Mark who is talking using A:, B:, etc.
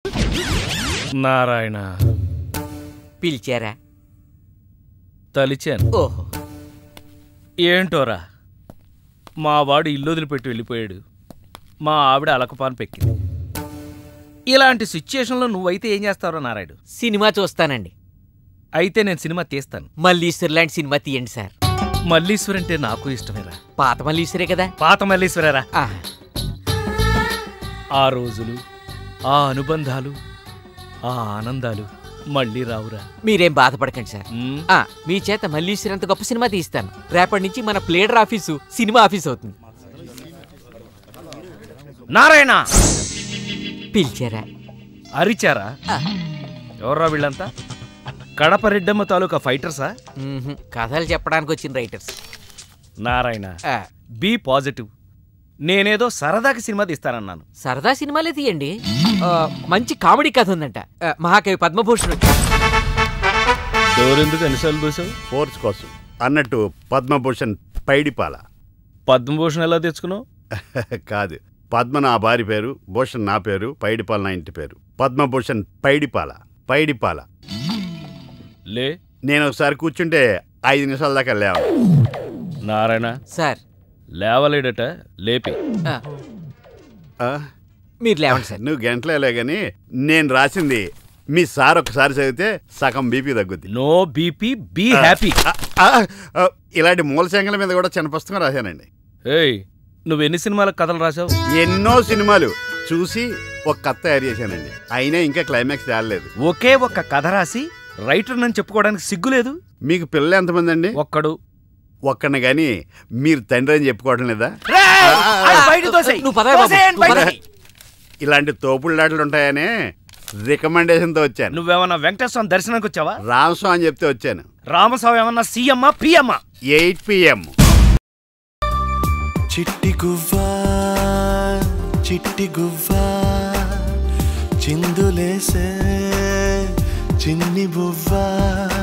A: నారాయణ
B: పిలిచారా?
A: తలిచాను.
B: ఓహో,
A: ఏంటోరా, మా వాడు ఇల్లు వదిలిపెట్టి వెళ్ళిపోయాడు, మా ఆవిడ అలకపాను పెక్కింది. ఇలాంటి సిచ్యుయేషన్లో నువ్వైతే ఏం చేస్తావురా నారాయుడు?
B: సినిమా చూస్తానండి.
A: అయితే నేను సినిమా తీస్తాను.
B: మల్లీశ్వర్ లాంటి సినిమా తీయండి సార్.
A: మల్లీశ్వర్ అంటే నాకు ఇష్టమేరా.
B: పాత మల్లీశ్వరే కదా?
A: పాత మల్లీశ్వరేరా.
B: ఆ,
A: ఆ రోజులు, ఆ అనుబంధాలు, ఆ ఆనందాలు మళ్ళీ రావురా.
B: మీరేం బాధపడకండి సార్. మీ చేత మల్లీశ్వర్ అంత గొప్ప సినిమా తీస్తాను. రేపటి నుంచి మన ప్లేడర్ ఆఫీసు సినిమా ఆఫీస్ అవుతుంది.
A: నారాయణ
B: పిలిచారా?
A: అరిచారా? ఎవర్రా వీళ్ళంతా? కడప రెడ్డమ్మ తాలూకా ఫైటర్సా?
B: కథలు చెప్పడానికి వచ్చిన రైటర్స్.
A: Narayana, be positive. నేనేదో సరదాకి సినిమా తీస్తానన్నాను.
B: సరదా సినిమాలే తీయండి. మంచి కామెడీ కథ ఉందంట. మహాకవి పద్మభూషణ్
A: డోరెందుకు ఎన్నిసార్లు చూసావు?
C: ఫోర్స్ కోసం అన్నట్టు పద్మభూషణ్ పైడిపాల.
A: పద్మభూషణ్ ఎలా తెచ్చుకున్నావు?
C: కాదు, పద్మ నా భార్య పేరు, భూషణ్ నా పేరు, పైడిపాల నా ఇంటి పేరు. పద్మభూషణ్ పైడిపాల. పైడిపాల.
A: లే,
C: నేను ఒకసారి కూర్చుంటే 5 నిమిషాల దాకా లేవ.
A: నారాయణ
B: సార్
A: లేవలేడట, లేపి.
B: మీరు లేవండి సార్.
C: నువ్వు గంటలే గాని నేను రాసింది మీ సార్ ఒకసారి చదివితే సగం బీపీ తగ్గుద్ది.
A: No BP, be happy.
C: ఇలాంటి మూల శంకల మీద కూడా చిన్న పుస్తకం రాశానండి.
A: ఏయ్, నువ్వెన్ని సినిమాలకు కథలు రాసావు?
C: ఎన్నో సినిమాలు చూసి ఒక కథ తయారు చేశానండి. అయినా ఇంకా క్లైమాక్స్ తేలలేదు.
A: ఒకే ఒక్క కథ రాసి రైటర్ నన్ను చెప్పుకోవడానికి సిగ్గులేదు?
C: మీకు పిల్లలు ఎంతమంది అండి?
A: ఒక్కడు.
C: ఒక్కడిని గాని మీరు తండ్రి అని చెప్పుకోవడం లేదా? ఇలాంటి తోపుళ్ళాటలు ఉంటాయనే రికమెండేషన్తో వచ్చాను.
A: నువ్వేమన్నా వెంకటేశ్వర దర్శనానికి వచ్చావా?
C: రామస్వామి అని చెప్తే వచ్చాను.
A: రామస్వామి ఏమన్నా సీఎం పిఎం?
C: 8 PM.
D: చిట్టి గువ్వా చిట్టి గువ్వా చిందులేసే చిన్ని బువ్వా